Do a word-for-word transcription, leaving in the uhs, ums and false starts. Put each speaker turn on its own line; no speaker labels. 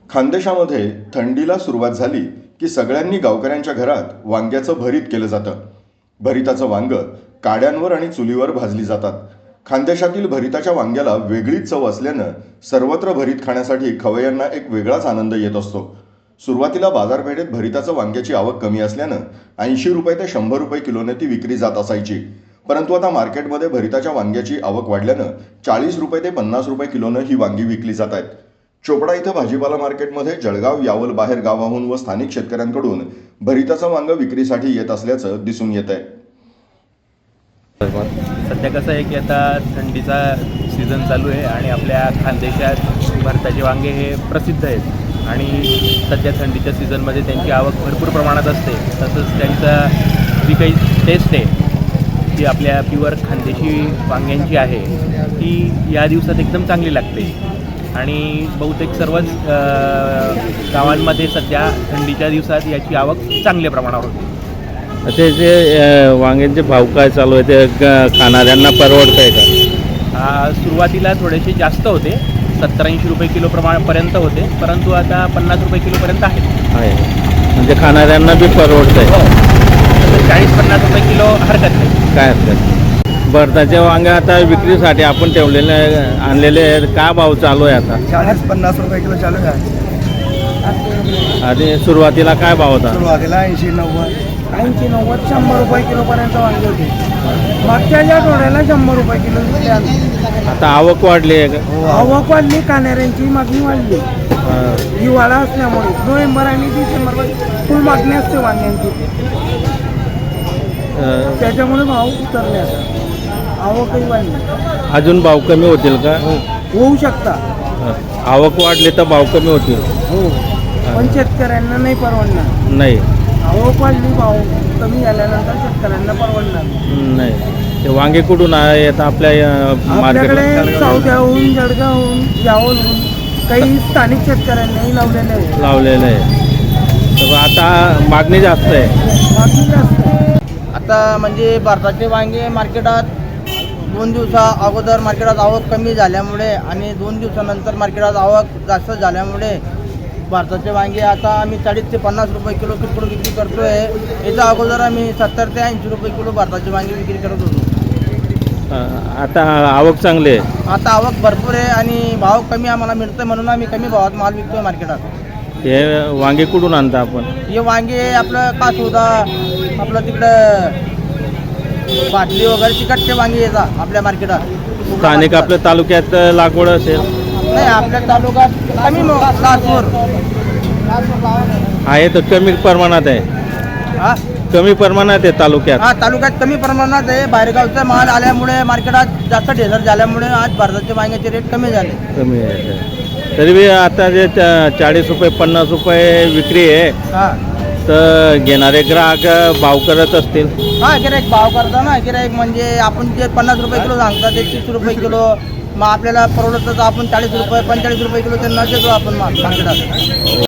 खानदेशामध्ये थंडीला सुरुवात झाली की सगळ्यांनी गावकऱ्यांच्या घरात वांग्याचं भरीत केलं जातं. भरिताचं वांग काड्यांवर आणि चुलीवर भाजली जातात. खानदेशातील भरिताच्या वांग्याला वेगळीच चव असल्यानं सर्वत्र भरीत खाण्यासाठी खवय्यांना एक वेगळाच आनंद येत असतो. सुरुवातीला बाजारपेठेत भरिताचं वांग्याची आवक कमी असल्यानं ऐंशी रुपये ते शंभर रुपये किलोने ती विक्री जात असायची. परंतु आता मार्केटमध्ये भरिताच्या वांग्याची आवक वाढल्यानं चाळीस रुपये ते पन्नास रुपये किलोनं ही वांगी विकली जात आहेत. चोपडा इथं भाजीपाला मार्केटमध्ये जळगाव यावल बाहेर गावाहून व स्थानिक शेतकऱ्यांकडून भरिताचं वांग विक्रीसाठी येत असल्याचं दिसून येत आहे.
सध्या कसं आहे की आता थंडीचा सीझन चालू आहे आणि आपल्या खानदेशात भरताचे वांगे हे प्रसिद्ध आहेत आणि सध्या थंडीच्या सीझनमध्ये त्यांची आवक भरपूर प्रमाणात असते. तसंच त्यांचा जी काही टेस्ट आहे ती आपल्या प्युअर खानदेशी वांग्यांची आहे ती या दिवसात एकदम चांगली लागते आणि बहुतेक सर्वच गावांमध्ये सध्या थंडीच्या दिवसात याची आवक चांगल्या प्रमाणावर होते.
ते जे वांग्यांचे भाव काय चालू आहे ते खाणाऱ्यांना परवडत आहे का?
सुरुवातीला थोडेसे जास्त होते, सत्तर ऐंशी रुपये किलो प्रमाणापर्यंत होते, परंतु आता पन्नास रुपये किलोपर्यंत आहेत
आहे म्हणजे खाणाऱ्यांना बी परवडत आहे.
चाळीस पन्नास रुपये किलो हरकत नाही.
काय हरकत. भरताचे वांगे आता विक्रीसाठी आपण ठेवलेले आणलेले काय भाव चालू आहे आता?
चाळीस पन्नास रुपये किलो चालू आहे.
आधी सुरुवातीला काय भाव होता?
सुरुवातीला ऐंशी नव्वद ऐंशी नव्वद शंभर रुपये किलोपर्यंत वांगे होते. मागच्या ज्या आठवड्याला शंभर रुपये किलो विकले.
आता आवक वाढली आहे का?
आवक वाढली, कान्याऱ्यांची मागणी वाढली. हिवाळा असल्यामुळे नोव्हेंबर आणि डिसेंबरमध्ये फुल मागणी असते वांग्यांची, त्याच्यामुळे भाव उतरले. आता आवकही वाढली.
अजून भाव कमी होतील का?
होऊ शकता.
आवक वाढली तर भाव कमी होतील.
हो, पण शेतकऱ्यांना नाही परवडणार.
नाही,
आवक वाढली, भाव कमी झाल्यानंतर शेतकऱ्यांना परवडणार
नाही. ते वांगे कुठून येतात आपल्या
आपल्याकडे?
मार्केटला?
चौद्याहून, जळगावहून, यावलहून काही स्थानिक शेतकऱ्यांनाही लावलेले आहे.
लावलेलं आहे. तर आता मागणी जास्त आहे.
मागणी जास्त आहे.
आता म्हणजे भारताचे वांगे मार्केटात दोन दिवसा अगोदर मार्केटात आवक कमी झाल्यामुळे आणि दोन दिवसानंतर मार्केटात आवक जास्त झाल्यामुळे भारताचे वांगे आता आम्ही चाळीस ते पन्नास रुपये किलो किरकोळ विक्री करतो आहे. याच्या अगोदर आम्ही सत्तर ते ऐंशी रुपये किलो भारताचे वांगे विक्री करत होतो.
आता आवक चांगली आहे.
आता आवक भरपूर आहे आणि भाव कमी आम्हाला मिळतो म्हणून आम्ही कमी भावात माल विकतोय मार्केटात.
हे वांगे कुठून आणता आपण?
हे वांगे आपलं कासोदा, आपलं तिकडं बाटली वगैरे तिकडचे वांगे येतात आपल्या मार्केटात.
स्थानिक आपल्या तालुक्यात लागवड असेल?
नाही, आपल्या तालुक्यात कमी लासूर
आहे तर कमी प्रमाणात आहे.
हा
कमी प्रमाणात आहे तालुक्यात.
हा तालुक्यात कमी प्रमाणात आहे. बाहेरगावचा माल आल्यामुळे मार्केटात जास्त ढेसर झाल्यामुळे आज भारताच्या वांग्याचे रेट कमी झाले.
कमी आहे तरी बी आता जे चाळीस रुपये पन्नास रुपये विक्री आहे
हा
तर घेणारे ग्राहक भाव करत असतील.
हा गिराईक भाव करता ना. गिराईक म्हणजे आपण जे पन्नास रुपये किलो सांगतात ते तीस रुपये किलो, मग आपल्याला परवडतं तर आपण चाळीस रुपये पंचेचाळीस रुपये किलो त्यांना देतो आपण मार्केटात.